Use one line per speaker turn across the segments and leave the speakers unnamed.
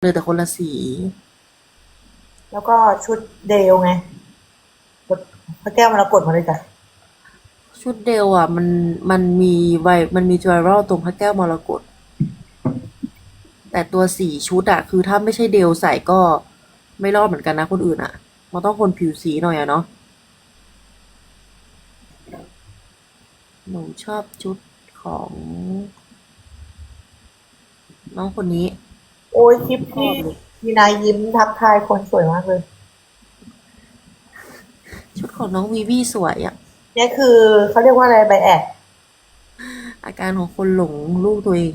เลยแต่คนละสี
แล้วก็ชุดเดลไงกดพระแก้วมรกตมาเลยจ้ะ
ชุดเดลอ่ะมันมีมันมีไวรัลตรงพระแก้วมรกตแต่ตัวสีชุดอ่ะคือถ้าไม่ใช่เดลใส่ก็ไม่รอดเหมือนกันนะคนอื่นอ่ะมันต้องคนผิวสีหน่อยอะเนาะหนูชอบชุดของน้องคนนี้
โอ้ยคลิปที่
ชอบเลย
มีนายยิ้มทักทายคนสวยมากเลย
ชุดของน้องวีวีสวยอ่ะ
เนี่ยคือเขาเรียกว่าอะไรไบแอด
อาการของคนหลงลูกตัวเอง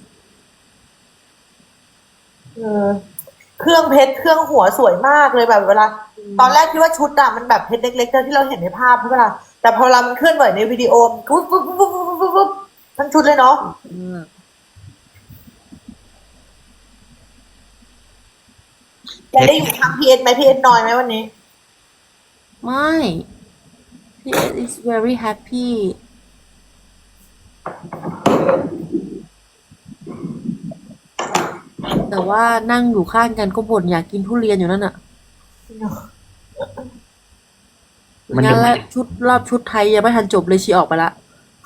เออเครื่องเพชรเครื่องหัวสวยมากเลยแบบเวลาตอนแรกคิดว่าชุดอะมันแบบเพชรเล็กๆที่เราเห็นในภาพใช่ปะล่ะแต่พอเรามันเคลื่อนไหวในวิดีโอมันปุ๊บปุ๊บปุ๊บปุ๊บปุ๊บปุ๊บปุ๊บทั้งชุดเลยเนาะ
เออ
จะได้อยู่ทางพีเอสไหมพีเอสน้อยไหมวันนี้
ไม่ he is very happy แต่ว่านั่งอยู่ข้างกันก็บ่นอยากกินทุเรียนอยู่นั่นน่ะ
มัน
งั้นและ
ยังไม่
ชุดไทยยังไม่ทันจบเลยชีออกไปละ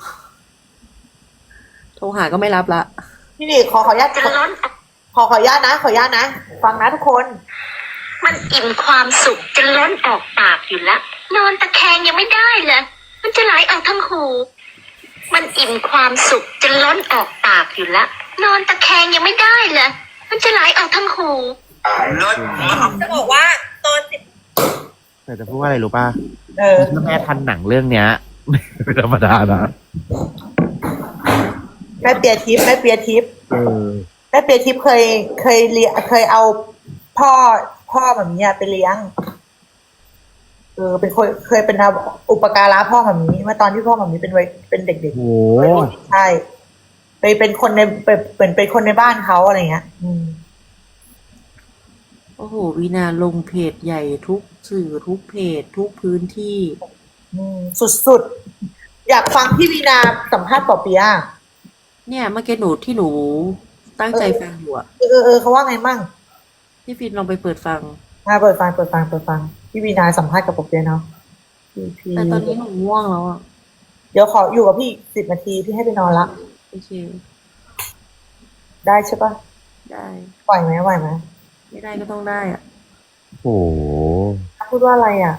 โทรหาก็ไม่รับละ
พี่ดิขออนุญาตขออนุญาตนะขออนุญาตนะฟังนะทุกคน
มันอิ่มความสุขจนล้นออกปากอยู่แล้วนอนตะแคงยังไม่ได้เลยมันจะไหลออกทั้งหู มันอิ่มความสุขจนล้นออกปากอยู่แล้วนอนตะแคงยังไม่ได้เลยมันจะไหลออกทั้งหู
เลิศ
จะบอกว่าตอนสิบ
แต่จะพูดว่าอะไรรู้ป่ะ
เออ
ถ้าแม่ทันหนังเรื่องเนี้ยไม่ธรรมดานะ
แม่เปียทิพย์แม่เปียทิพย์
เออ
แม่เปียทิพย์เคยเอาพ่อแบบนี้ไปเลี้ยงเป็นคนเคยเป็นอุปการะพ่อแบบนี้เมื่อตอนที่พ่อแบบนี้เป็นเด็ก
โห
ๆวัยรุ่นใช่ไปเป็นคนในเป็นคนในบ้านเขาอะไรเงี้ย
โอ้โหวีนาลงเพจใหญ่ทุกสื่อทุกเพจทุกพื้นที่
สุดๆอยากฟังพี่วีนาสัมภาษณ์ปอเปียะ
เนี่ยเมื่อกี้ที่หนูตั้งใจฟังอยู่อะ
เขาว่าไงมั่ง
พี่ฟินลองไปเปิดฟัง
เปิดฟังพี่วีนาสัมภาษณ์กับปอเปียะเนาะพี่
แต่ตอนนี้หนูง่วงแล้วอะ
เดี๋ยวขออยู่กับพี่10 นาทีพี่ให้ไปนอนละ
โอเค
ได้ใช่ปะ
ได้
ไหวไหม
ไม่ได้ก็ต้องได้อะ
โห
พูดว่าอะไรอ่ะ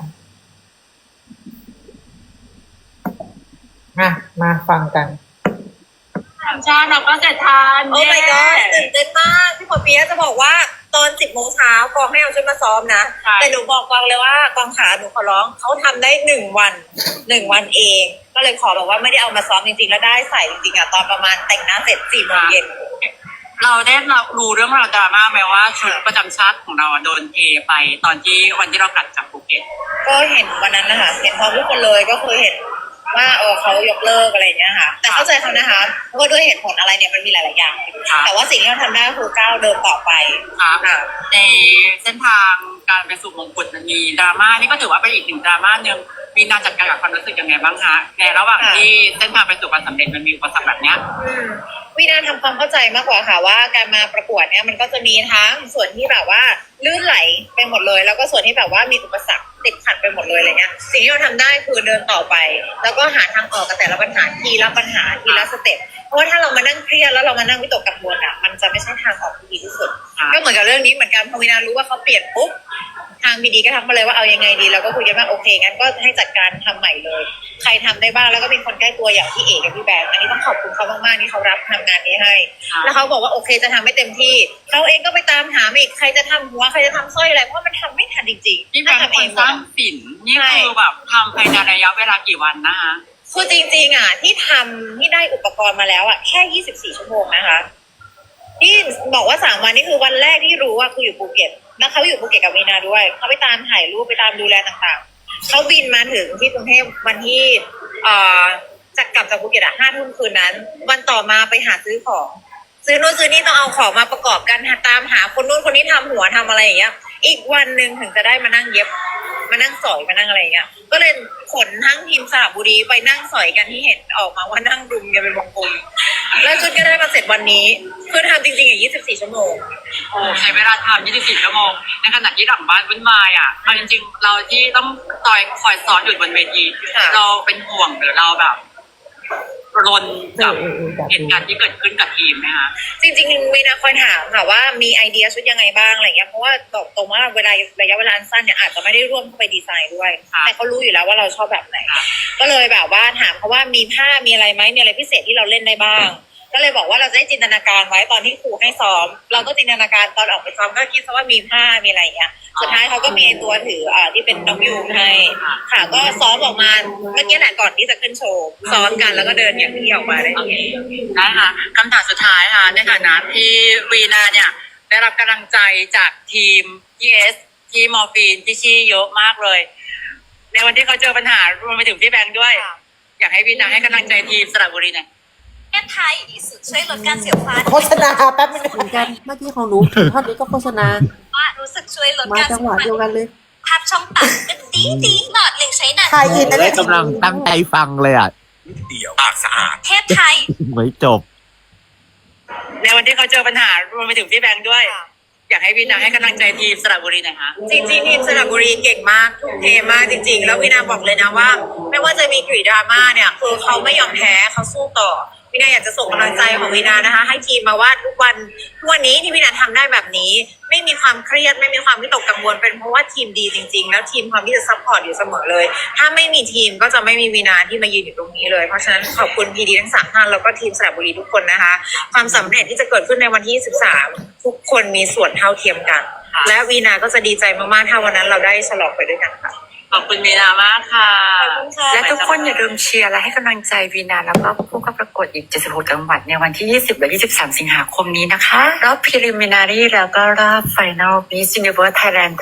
มาฟังกัน
ธรรมชาติเราก็จะทาน
โอ้ my god ตื่นเต้นมากพี่ปอเปียะจะบอกว่าตอน10 โมงเช้ากองให้เอาชุดมาซ้อมนะแต่หนูบอกกองเลยว่ากองขาหนูขอร้องเขาทำได้1 วันเองก็เลยขอบอกว่าไม่ได้เอามาซ้อมจริงๆแล้วได้ใส่จริงๆอ่ะตอนประมาณแต่งหน้าเสร็จ4 โมงเย็น
เราได้รู้เรื่องราวดราม่าไหมว่าชุดประจำชาติของเราโดนเทไปตอนที่วันที่เรากลับจากภูเก็ต
ก็เห็นวันนั้นนะคะเห็นพร้อมทุกคนเลยก็คือเห็นว่าเขายกเลิกอะไรอย่างเงี้ยค่ะแต่เข้าใจเขานะคะเพราะว่าด้วยเหตุผลอะไรเนี่ยมันมีหลายๆอย่างแต่ว่าสิ่งที่เราทำได้คือก้าวเดินต่อไป
ครับในเส้นทางการไปสู่มงกุฎมันมีดราม่านี่ก็ถือว่าเป็นอีกหนึ่งดราม่าหนึ่งวีนาจัดการกับความรู้สึกยังไงบ้างคะในระหว่างที่เส้นทางไปสู่ความสำเร็จมันมีอุปสรรคแบบเนี้ย
วินาทำความเข้าใจมากกว่าค่ะว่าการมาประกวดเนี่ยมันก็จะมีทั้งส่วนที่แบบว่าลื่นไหลไปหมดเลยแล้วก็ส่วนที่แบบว่ามีอุปสรรคติดขัดไปหมดเลยอะไรเงี้ยสิ่งที่เราทำได้คือเดินต่อไปแล้วก็หาทางออกกับแต่ละปัญหาทีละปัญหาทีละสเต็ปเพราะว่าถ้าเรามานั่งเครียดแล้วเรามานั่งวิตกกังวลอ่ะมันจะไม่ใช่ทางออกที่ดีที่สุดก็เหมือนกับเรื่องนี้เหมือนกันพอวินารู้ว่าเขาเปลี่ยนปุ๊บทางบีดีก็ทักมาเลยว่าเอายังไงดีเราก็คุยกันว่าโอเคงั้นก็ให้จัดการทำใหม่เลยใครทำได้บ้างแล้วก็เป็นคนใกล้ตัวอย่างพี่เอกกับพี่แบงค์อันนี้ต้องขอบคุณเขามากๆที่เขารับทำงานนี้ให้แล้วเขาบอกว่าโอเคจะทำให้เต็มที่เขาเองก็ไปตามหาอีกใครจะทำหัวใครจะทำสร้อยอะไรเพราะมันทำไม่ทันจริงๆ
ที่แบงค์คนสร้างสินนี่คือแบบทำภายในระยะเวลากี่วันนะคะ
คือจริงๆอ่ะที่ทำที่ได้อุปกรณ์มาแล้วอ่ะแค่24 ชั่วโมงนะคะที่บอกว่า3 วันนี่คือวันแรกที่รู้ว่าคืออยู่ภูเก็ตแล้วเขาอยู่ภูเก็ตกับวีนาด้วยเขาไปตามถ่ายรูปไปตามดูแลต่างๆเขาบินมาถึงที่กรุงเทพวันที่จะกลับจากภูเก็ต5 ทุ่มคืนนั้นวันต่อมาไปหาซื้อของซื้อโน่นซื้อนี่ต้องเอาของมาประกอบกันตามหาคนนู้นคนนี้ทำหัวทำอะไรอย่างเงี้ยอีกวันหนึ่งถึงจะได้มานั่งเย็บมานั่งสอยมานั่งอะไรอย่างเงี้ยก็เลยขนทั้งทีมสระบุรีไปนั่งสอยกันที่เห็นออกมาว่านั่งรุมกันเป็นวงกลมแล้วชุดก็ได้มาเสร็จวันนี้คือทำจริงๆอ่ะ24 ชั่วโมง
โอ้ใช้เวลาทำ24 ชั่วโมงในขณะที่หลังบ้านวุ่นวายอ่ะเอาจริงๆเราที่ต้องคอยซ้อนอยู่บนเวที
ค่ะ
เราเป็นห่วงหรือเราแบบรนกับเหตุการณ์ที่เกิดขึ้นกับทีมไหมคะ
จริงๆมีนาคอยถามค่ะว่ามีไอเดียชุดยังไงบ้างอะไรเงี้ยเพราะว่าบอกตรงว่าเวลาระยะเวลาสั้นเนี่ยอาจจะไม่ได้ร่วมเข้าไปดีไซน์ด้วย แต่เขารู้อยู่แล้วว่าเราชอบแบบไหน ก็เลยแบบว่าถามเขาว่ามีผ้ามีอะไรไหมมีอะไรพิเศษที่เราเล่นได้บ้าง ก็เลยบอกว่าเราจะได้จินตนาการไว้ตอนที่ครูให้ซ้อม เราก็จินตนาการตอนออกไปซ้อมก็คิดซะว่ามีผ้ามีอะไรอย่างเงี้ยสุดท้ายเขาก็มีตัวถือที่เป็นน้องยูงให้ค่ะก็ซ้อมออกมาเมื่อกี้แหละก่อนที่จะขึ้นโชว์ซ้อมกันแล้วก็เดินอย่างที่ออกมาได้
โอเคได้ค่ะคำถามสุดท้ายค่ะในฐานะที่วีนาเนี่ยได้รับกำลังใจจากทีม GS ที่มอร์ฟีนที่ชี่เยอะมากเลย ในวันที่เขาเจอปัญหารวมไปถึงพี่แบงค์ด้วย อยากให้วีนาให้กำลังใจทีมสระบุรีหน่อย
แก้ไทยดีสุดช่วยลดการเสียฟ้า
โฆษณาแป๊บนึงเหมือนกันเมื่อกี้ของหนูถึงท่อนนี้ก็โฆษณา
ว่ารู้สึกช่วยลด
มา
การ
จังหวะเดียวกันเลย
ภาพช่องปากก็ดีหลอดเหล็กใช้หนัก
ไทยอินนะ
ได้
เนี่ย
กำลังตั้งใจฟังเลยอ่ะ
เดี่ยวปากสะอาด
เทพไทย
ไม่จบ
ในวันที่เขาเจอปัญหารวมไปถึงพี่แบงค์ด้วย อยากให้วีนาให้กำลังใจทีมสระบุรีหน่อยค่ะ
จริงๆทีมสระบุรีเก่งมากทุ่มเทมากจริงๆ แล้ววินาบอกเลยนะว่า ไม่ว่าจะมีกรีดราม่าเนี่ยคือเขาไม่ยอมแพ้เขาสู้ต่อวินาอยากจะส่งกำลังใจของวินานะคะ ให้ทีมมาว่าทุกวันนี้ที่วินาทำได้แบบนี้ ไม่มีความเครียดไม่มีความวิตกกังวลเป็นเพราะว่าทีมดีจริง ๆ แล้วทีมความที่จะซัพพอร์ตอยู่เสมอเลย ถ้าไม่มีทีมก็จะไม่มีวินาที่มายืนอยู่ตรงนี้เลยเพราะฉะนั้นขอบคุณพีดีทั้ง3 ท่านแล้วก็ทีมสระบุรีทุกคนนะคะ ความสำเร็จที่จะเกิดขึ้นในวันที่13ทุกคนมีส่วนเท่าเทียมกัน และวีนาก็จะดีใจมากๆถ้าวันนั้นเราได้ฉลองไปด้วยกันค่ะ
ขอบคุณวีนามากค่ะ
ขอบคุณค่ะ
และทุกคนอย่าลืมเชียร์และให้กำลังใจวีนาแล้วก็ผู้เข้าประกวดอีก 76 จังหวัดในวันที่ 20 และ 23 สิงหาคมนี้นะคะ รอบ preliminary แล้วก็รอบ final Miss Universe Thailand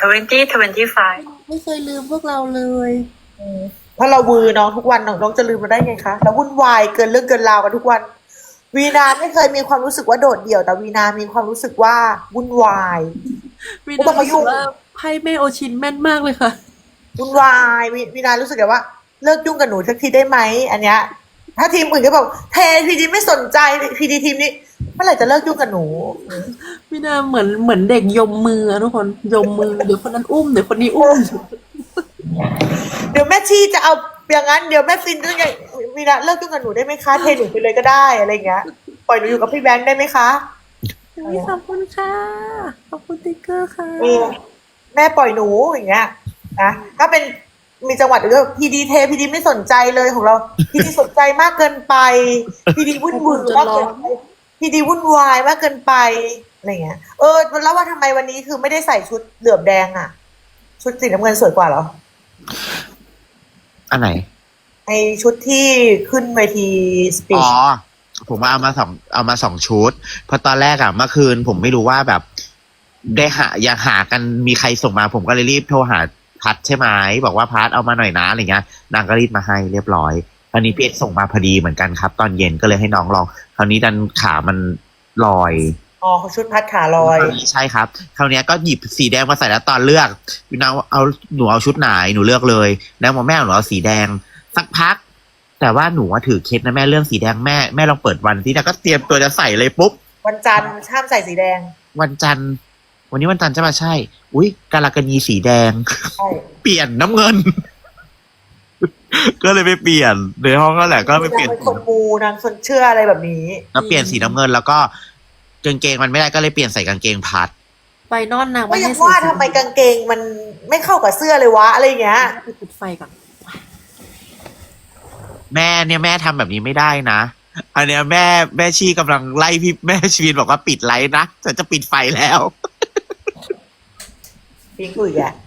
2025
ไม่เคยลืมพวกเราเลย
เพราะเราวือน้องทุกวันน้องจะลืมมาได้ไงคะเราวุ่นวายเกินเรื่องเกินราวกันทุกวัน วีนาไม่เคยมีความรู้สึกว่าโดดเดี่ยวแต่วีนามีความรู้สึกว่าวุ่นวาย
วิ
ไม่ต้
นา
องมายุ่
รู้สึ
ง
กว่าไพ่แม่โอชินแม่นมากเลยค่ะ
วุ่นวายวีนารู้สึกแบบว่าเลิกยุ่งกับหนูสักทีได้ไหมอันเนี้ยถ้าทีมอื่นก็บอกเทพีดีไม่สนใจพีดีทีมนี้เมื่อไหร่จะเลิกยุ่งกับหนู
วินาเหมือนเด็กยมมืออะทุกคนยมมือเดี๋ยวคนนั้นอุ้มเดี๋ยวคนนี้อุ้ม
เดี๋ยวแม่ชีจะเอาอย่างนั้นเดี๋ยวแม่ฟินต้องอย่างวีนาเลิกยุ่งกับหนูได้ไหมคะเทหนูไปเลยก็ได้อะไรอย่างเงี้ยปล่อยหนูอยู่กับพี่แบงค์ได้ไหมคะ
ขอบคุณค่ะขอบคุณติ๊กเกอร์ค่ะ
เออแม่ปล่อยหนูอย่างเงี้ยนะถ้าเป็นมีจังหวัดอื่นก็พีดีเทพีดีไม่สนใจเลยของเราพีดีสนใจมากเกินไปพีดีวุ่นวายมากเกินไปพีดีวุ่นวายมากเกินไปอะไรเงี้ยแล้วว่าทำไมวันนี้คือไม่ได้ใส่ชุดเหลือบแดงอ่ะ ชุดสีน้ำเงินสวยกว่าเหรอ
อันไหน
ไอชุดที่ขึ้นเวทีสปี
อ๋
ช
อ ผมเอามาสองชุด เพราะตอนแรกอะเมื่อคืนผมไม่รู้ว่าแบบได้อยากหากันมีใครส่งมา ผมก็เลยรีบโทรหาพัดใช่ไหมบอกว่าพัดเอามาหน่อยนะอะไรเงี้ยนางก็รีบมาให้เรียบร้อยคราวนี้พี่เอ็กซ์ส่งมาพอดีเหมือนกันครับ ตอนเย็นก็เลยให้น้องลองคราวนี้ดันขามันลอย
อ๋อชุดพัดขาลอย
ใช่ครับคราวนี้ก็หยิบสีแดงมาใส่แล้วตอนเลือกพี่นางเอาหนูเอาชุดไหนหนูเลือกเลยแล้วบอกแม่หนูเอาสีแดงสักพัก แต่ว่าหนูถือเคสนะแม่เรื่องสีแดงแม่ลองเปิดวันที่นะก็เตรียมตัวจะใส่เลยปุ๊บ
วันจันทร์ห้ามใส่สีแดง
วันจันทร์วันนี้วันจันทร์ใช่ไหมใช่ อุ้ยกาลากันีสีแดง
ใช่
เปลี่ยนน้ำเงิน ก็เลยไปเปลี่ยนในห้องก็แหละก็ไปเปลี่ยน
นางเป็นคนมูนางคนเชื่ออะไรแบบนี้
ก็เปลี่ยนสีน้ำเงินแล้วก็กางเกงมันไม่ได้ก็เลยเปลี่ยนใส่กางเกงพัด
ไปนอนนาง
ก็
ไม่
ยั
ให้
ง
ใส่
ว่าทำไมกางเกงมันไม่เข้ากับเสื้อเลยวะอะไรอย่างเงี้ย
ไปปิดไฟก่อน
แม่ทำแบบนี้ไม่ได้นะ อันเนี้ยแม่ชีกำลังไล่พี่แม่ชีนบอกว่าปิดไลท์นะฉันจะปิดไฟแล้ว
พี่กุยอ่ะ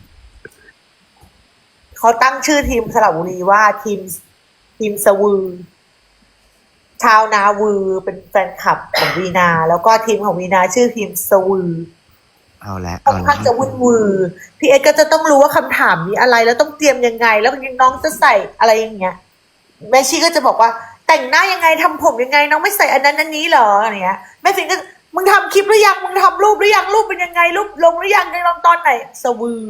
เขาตั้งชื่อทีมสระบุรีว่าทีมสวือ ชาวนาวือเป็นแฟนคลับของวีนา แล้วก็ทีมของวีนาชื่อทีมสวือ
เอาละ
ค่อนข้างจะวุ่นวือพี่เอ็กซ์ก็จะต้องรู้ว่าคำถามนี้อะไรแล้วต้องเตรียมยังไง แล้วน้องจะใส่อะไรอย่างเงี้ยแม่ชีก็จะบอกว่าแต่งหน้ายังไงทำผมยังไง น้องไม่ใส่อันนั้นอันนี้เหรออะไรเงี้ยแม่ฟินก็มึงทำคลิปหรือยังมึงทำรูปหรือยังรูปเป็นยังไงรูปลงหรือยังในลงตอนไหนสวือ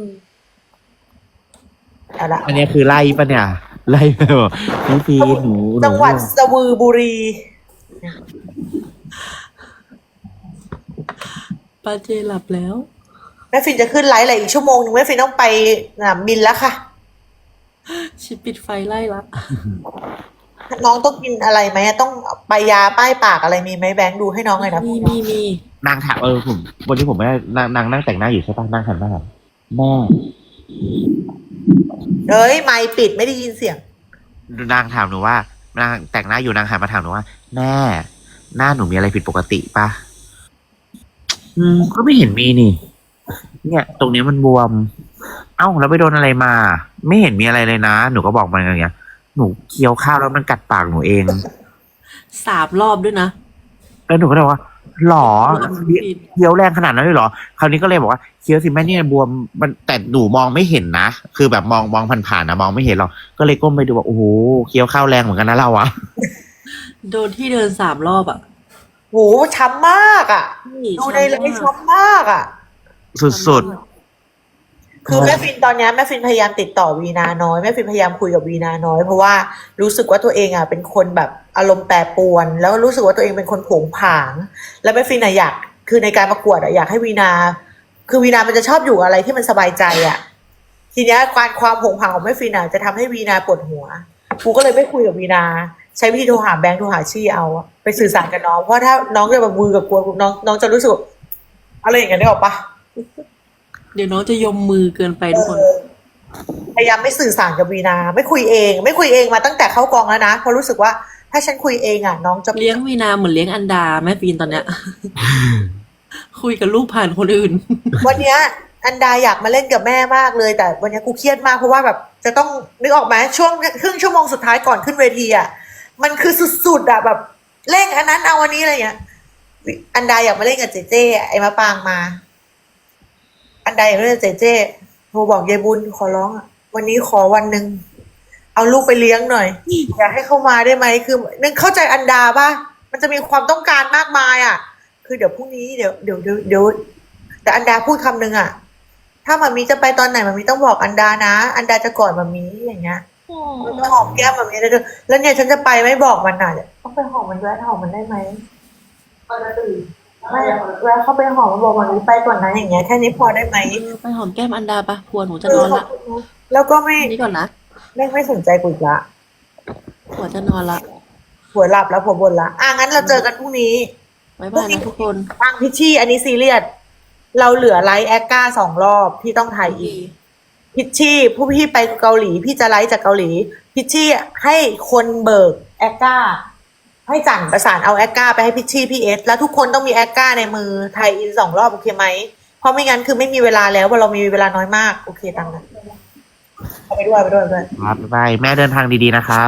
เอาละ
อันนี้คือไล่ปะเนี่ย ไล่ไปบอกพี่ฟีหนู
จังหวัดสวือบุรี
ป้าเจหลับแล้ว
แม่ฟินจะขึ้นไลฟ์อะไรอีกชั่วโมงนึงแม่ฟินต้องไปสนามบินแล้วค่ะ
ชิปิดไฟไล่ละ
น้องต้องกินอะไรไหมต้องไปยาป้ายปากอะไรมีไหมแบงค์ดูให้น้องหน่อยนะ
มี
นางถามผมวันนี้ผมไม่ได้นางนั่งแต่งหน้าอยู่ใช่ปะนางหันมาถามแม่
เอ้ยไมค์ปิดไม่ได้ยินเสียง
นางถามหนูว่านางแต่งหน้าอยู่นางหันมาถามหนูว่าแม่หน้าหนูมีอะไรผิดปกติปะก็ไม่เห็นมีนี่ เนี่ย ตรงนี้มันบวม เอ้าแล้วไปโดนอะไรมา ไม่เห็นมีอะไรเลยนะ หนูก็บอกมันอย่างเงี้ยหนูเคี้ยวข้าวแล้วมันกัดปากหนูเอง
3 รอบด้วยนะ
แล้วหนูก็เลยว่าหรอ
ผิด
เคี้ยวแรงขนาดนั้นเลยเหรอคราวนี้ก็เลยบอกว่าเคี้ยวสิแม่เนี่ยบวมมันแต่หนูมองไม่เห็นนะคือแบบมองผ่านๆนะมองไม่เห็นหรอกก็เลยก้มไปดูว่าโอ้โหเคี้ยวข้าวแรงเหมือนกันนะเราอะ
โดนที่เดิน3 รอบอ่ะ
โหช้ำมากอ่ะ ดูในไลฟ์ช้ำมากอ่ะ
สุด
คือแม่ฟินตอนเนี้ยแม่ฟินพยายามติดต่อวีนาน้อยแม่ฟินพยายามคุยกับวีนาน้อยเพราะว่ารู้สึกว่าตัวเองอ่ะเป็นคนแบบอารมณ์แปรปรวน แล้วรู้สึกว่าตัวเองเป็นคนโผงผาง แล้วแม่ฟินอ่ะอยากคือในการประกวดอ่ะอยากให้วีนา คือวีนามันจะชอบอยู่อะไรที่มันสบายใจอ่ะ ทีเนี้ยความโผงผางของแม่ฟินอ่ะจะทำให้วีนาปวดหัวกูก็เลยไม่คุยกับวีนา ใช้วิธีโทรหาแบงค์โทรหาชี่เอาอะไปสื่อสารกับน้องเพราะถ้าน้องจะแบบมือกับกลัวน้องจะรู้สึกอะไรอย่างเงี้ยได้หรอปะ
เดี๋ยวน้องจะยมมือเกินไปทุกคน
พยายามไม่สื่อสารกับวีนา ไม่คุยเองมาตั้งแต่เข้ากองแล้วนะเพราะรู้สึกว่าถ้าฉันคุยเองอ่ะ น้องจะ
เลี้ยงวีนาเหมือนเลี้ยงอันดาแม่ฟีนตอนเนี้ย คุยกับลูกผ่านคนอื่น
วันเนี้ยอันดาอยากมาเล่นกับแม่มากเลย แต่วันเนี้ยกูเครียดมากเพราะว่าแบบจะต้องนึกออกไหมช่วงครึ่งชั่วโมงสุดท้ายก่อนขึ้นเวทีอ่ะมันคือสุดๆอ่ะแบบเร่งอันนั้นเอาอันนี้อะไรเงี้ยอันดาอยากมาเล่นกับเจเจไอ้มะปางมา อันดาอยากเล่นกับเจเจโทรบอกยายบุญขอร้องอ่ะวันนี้ขอวันหนึ่งเอาลูกไปเลี้ยงหน่อย อยากให้เข้ามาได้ไหมคือนึกเข้าใจอันดาป่ะมันจะมีความต้องการมากมายอ่ะ คือเดี๋ยวพรุ่งนี้เดี๋ยวแต่อันดาพูดคำนึงอ่ะ ถ้ามามีจะไปตอนไหนมามีต้องบอกอันดานะ อันดาจะกอดมามีอย่างเงี้ยมันจะหอมแก้มมามีได้ด้วยแล้วเนี่ยฉันจะไปไม่บอกมันน่ะต้องไปหอมมันด้วยหอมมันได้ไหมไม่แล้วเขาไปหอมมาบอกมันไปก่อนนะอย่างเงี้ยแค่นี้พอได้ไหม
ไปหอมแก้มอันดาปะผัวหนูจะนอนละ
แล้วก็ไม่
อันนี้ก่อนนะ
ไม่สนใจกูอีกละ
ผัวจะนอนละ
ผัวหลับแล้วผัวบ่นละงั้นเราเจอกันพรุ่งนี้
บ๊ายบายนะทุกคน
ฟังพิชชี่อันนี้ซีเรียสเราเหลือไลฟ์แอคก้า2 รอบที่ต้องถ่ายอีก พิชชี่ผู้พี่ไปเกาหลีพี่จะไลฟ์จากเกาหลี พิชชี่ให้คนเบิกแอคก้าให้จันประสานเอาแอคก้าไปให้พิชชี่พี่เอสแล้วทุกคนต้องมีแอคก้าในมือไทยอิน2 รอบโอเคไหมเพราะไม่งั้นคือไม่มีเวลาแล้วเพราะเรามีเวลาน้อยมากโอเคตามนั้นเอาไปด้วย
ๆครับบ๊ายบายแม่เดินทางดีๆนะครับ